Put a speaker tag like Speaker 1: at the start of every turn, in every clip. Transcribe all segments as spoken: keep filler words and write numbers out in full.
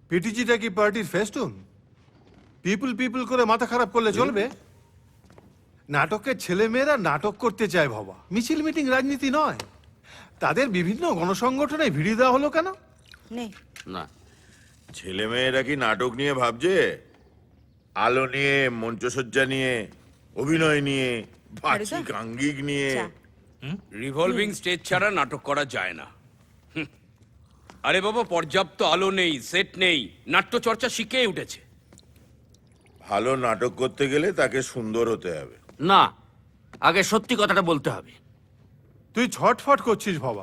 Speaker 1: পিটিজিটা কি পার্টির festoon? People people করে মাথা খারাপ করলে চলবে? নাটকের ছেলেমেয়েরা নাটক করতে চায় বাবা, মিছিল মিটিং রাজনীতি নয়। তাদের বিভিন্ন গণসংগঠনে ভিড়ি দেওয়া হলো কেন?
Speaker 2: নেই
Speaker 3: না, ছেলে মেয়েরা কি নাটক নিয়ে ভাবছে? আলো নিয়ে, মঞ্চসজ্জা নিয়ে, অভিনয় নিয়ে, বাচিক আঙ্গিক নিয়ে।
Speaker 4: রিভলভিং স্টেজ ছাড়া নাটক করা যায় না। হুম। আরে বাবা, পর্যাপ্ত আলো নেই, সেট নেই, নাট্যচর্চা শিখেই উঠেছে।
Speaker 3: ভালো নাটক করতে গেলে তাকে সুন্দর হতে হবে।
Speaker 5: না, আগে সত্যি কথাটা বলতে হবে।
Speaker 1: তুই ছটফট করছিস বাবা।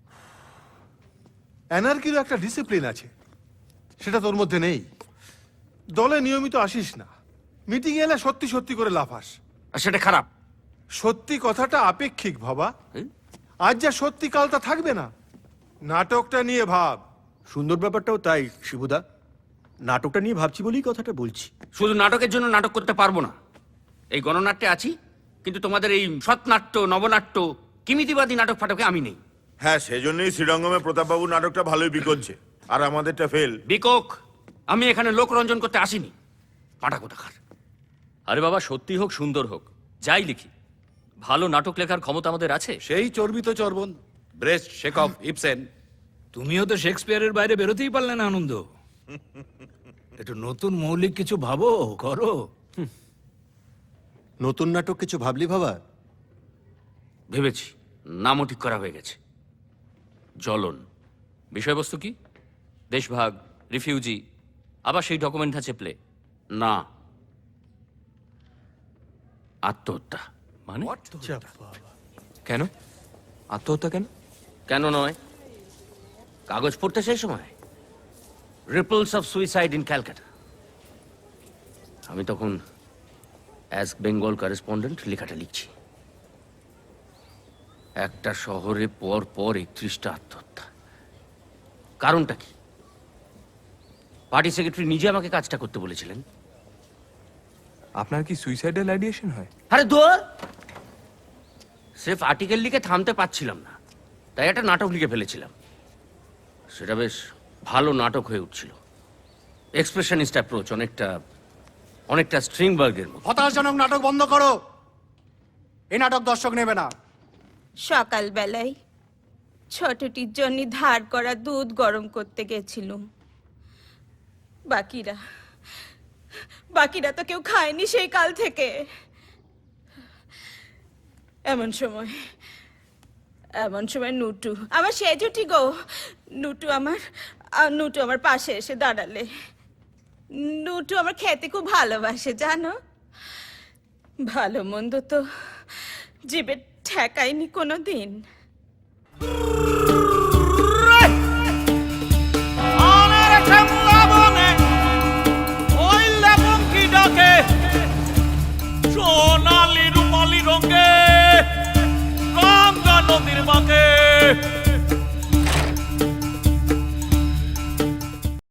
Speaker 1: এনার্কিরও একটা ডিসিপ্লিন আছে, সেটা তোর মধ্যে নেই। দলে নিয়মিত আসিস না, মিটিং এলে সত্যি সত্যি করে লাফাস।
Speaker 5: আর সেটা খারাপ।
Speaker 1: সত্যি কথাটা আপেক্ষিক বাবা। আজ যা সত্যি কাল তা থাকবে না। নাটকটা নিয়ে ভাব।
Speaker 6: সুন্দর ব্যাপারটাও তাই শিবুদা, নাটকটা নিয়ে ভাবছি বলেই কথাটা বলছি।
Speaker 5: শুধু নাটকের জন্য নাটক করতে পারবো না। এই গণনাট্যে আছি, কিন্তু তোমাদের এই সৎনাট্য, নবনাট্য, কিমিতিবাদী নাটক ফাটকে আমি নেই।
Speaker 3: হ্যাঁ, সেজন্যই শ্রীরঙ্গমে প্রতাপবাবু নাটকটা ভালোই বিকোচ্ছে, আর আমাদেরটা ফেল।
Speaker 5: বিকক, আমি এখানে লোকরঞ্জন করতে আসিনি। পাটা কোথাকার।
Speaker 7: আরে বাবা, সত্যি হোক সুন্দর হোক, যাই লিখি, ভালো নাটক লেখার ক্ষমতা আমাদের আছে।
Speaker 4: সেই চর্বিত চর্বণ, ব্রেস্ট, শেকফ, ইবসেন।
Speaker 8: তুমিও তো শেক্সপিয়ারের বাইরে বেরোতেই পারলে না আনন্দ। একটু নতুন মৌলিক কিছু ভাবো, করো।
Speaker 6: নতুন নাটক কিছু ভাবলি বাবা?
Speaker 5: ভেবেছি, নামও ঠিক করা হয়ে গেছে। জ্বলন।
Speaker 7: বিষয়বস্তু কি? দেশভাগ, রিফিউজি, আবার সেই ডকুমেন্ট আছে প্লে।
Speaker 5: না, আত্মহত্যা।
Speaker 7: মানে কেন আত্মহত্যা? কেন
Speaker 5: কেন নয়, কাগজ পড়তে সেই সময় ripples of suicide in Calcutta. আমি তখন অ্যাজ বেঙ্গল করেসপন্ডেন্ট লেখাটা লিখছি। একটা শহরে পর পর একত্রিশটা আত্মহত্যা। কারণটা কি? পার্টি সেক্রেটারি নিজে আমাকে কাজটা করতে বলেছিলেন।
Speaker 9: আপনার কি সুইসাইডাল আইডিয়েশন হয়?
Speaker 5: আরে দূর, সির্ফ আর্টিকেল লিখে থামতে পারছিলাম না, তাই একটা নাটক লিখে ফেলেছিলাম। সেটা বেশ ভালো নাটক হয়ে উঠছিল। এক্সপ্রেশনিস্ট অ্যাপ্রোচ, অনেকটা অনেকটা স্ট্রিংবার্গের মতো।
Speaker 6: হতাশজনক নাটক বন্ধ করো, এই নাটক দর্শক নেবে না।
Speaker 2: সকালবেলায় ছোটটির জন্য ধার করা দুধ গরম করতে গেছিলুম। বাকিরা বাকিরা তো কেউ খায়নি সেই কাল থেকে। এমন সময় এমন সময় নুটু, আমার সেজুটি গো, নুটু আমার আ, নুটু আমার পাশে এসে দাঁড়ালে। নুটু আমার খেতে খুব ভালোবাসে জানো। ভালো মন্দ তো জিভে ঠেকায়নি কোনো দিন।